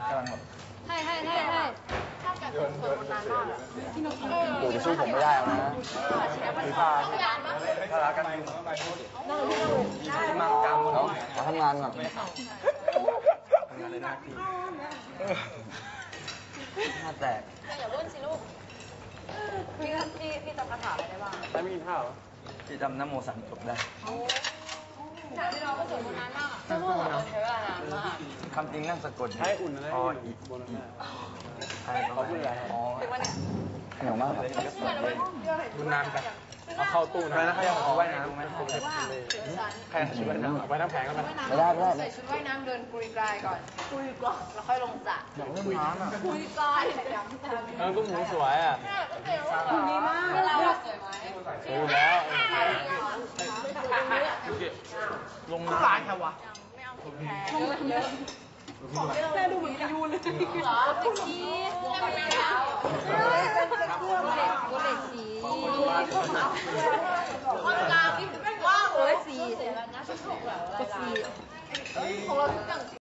กำลังแบบให้ถ้าแกสวยคนนั้นมากอะโอ้จะสู้ผมไม่ได้นะคือถ้ารักกันอยู่ที่มากกลางเนาะขอทำงานก่อนทำงานในหน้าที่หน้าแตกอย่ารุ่นสิลูกพี่จำคาถาอะไรได้บ้างไม่กินข้าวที่จำน้ำโม3 จบได้พี่น้องก็สวยคนนั้นมากจะพูดกับเราใช้เวลานานมากคำจริงนั่งสะกดให้อุ่นอะไรอีกบนนั้นเขาพูดอะไรอ๋อเหนียวมากดูนานไปเอาเข้าตู้นะใครอยากว่ายน้ำไหมใครชุดว่ายน้ำว่ายน้ำแข็งก็ไม่ได้ใส่ชุดว่ายน้ำเดินกุยกายก่อนแล้วค่อยลงสระกุยน้ำอ่ะกุยกายก็หมูสวยอ่ะดีมากเราสวยไหมสวยแล้วลงน้ำหลายแค่วะแม่ดูเหมือนพายุเลยเหรอเด็กชี้ไม่เอาเด็กสีคนกลางนี่ว้าวเลยสีของเราทุกอย่าง